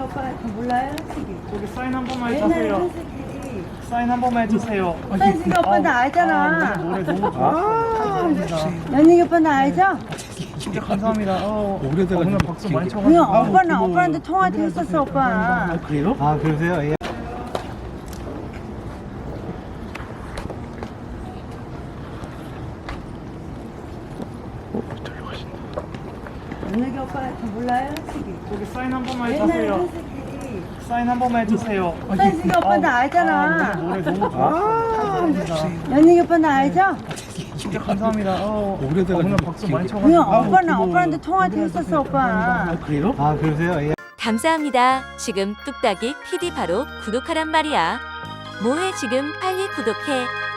오빠 몰라요? 저기 사인 한 번만 옛날에 해주세요. 현숙이 사인 한 번만 해주세요. 현숙이 오빠 나 알잖아. 노래 너무 좋아. 감사합니다. 연희 오빠 나 알죠? 진짜 감사합니다. 오래돼가지고 오늘 박수 많이 쳐가지고. 그냥 오빠는 오빠한테 통화도 했었어 오빠. 그래요? 아 그러세요? 예. 연희 오빠 몰라요? 저기 사인 한 번만 옛날에 해주세요. 현숙이 사인 한 번만 해주세요. 현숙이 오빠 나 알잖아. 노래 너무 좋아. 감사합니다. 연희 오빠 나 알죠? 진짜 감사합니다. 오래돼가지고. 오늘 박수 많이 쳐가지고. 그냥 오빠는 오빠한테 통화도 했었어 오빠. 그래요? 아 그러세요? 예. 감사합니다. 지금 뚝딱이 PD 바로 구독하란 말이야. 뭐해 지금 빨리 구독해.